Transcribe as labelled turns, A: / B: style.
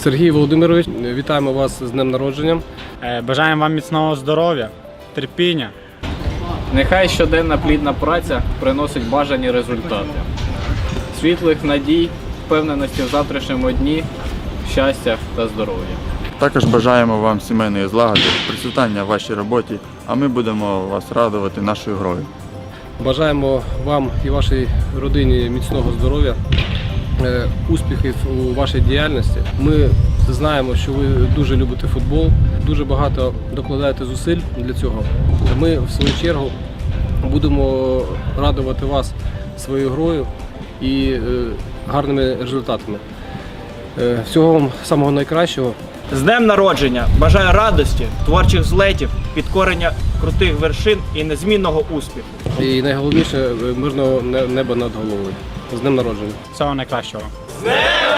A: Сергій Володимирович, вітаємо вас з днем народження.
B: Бажаємо вам міцного здоров'я, терпіння.
C: Нехай щоденна плідна праця приносить бажані результати. Світлих надій, впевненості в завтрашньому дні, щастя та здоров'я.
D: Також бажаємо вам сімейної злагоди, процвітання в вашій роботі, а ми будемо вас радувати нашою грою.
A: Бажаємо вам і вашій родині міцного здоров'я, успіхів у вашій діяльності. Ми знаємо, що ви дуже любите футбол, дуже багато докладаєте зусиль для цього. Ми, в свою чергу, будемо радувати вас своєю грою і гарними результатами. Всього вам самого найкращого.
E: З днем народження! Бажаю радості, творчих злетів, підкорення крутих вершин і незмінного успіху.
A: І найголовніше – мирного неба над головою. З днем народження!
B: Всього найкращого.
E: З днем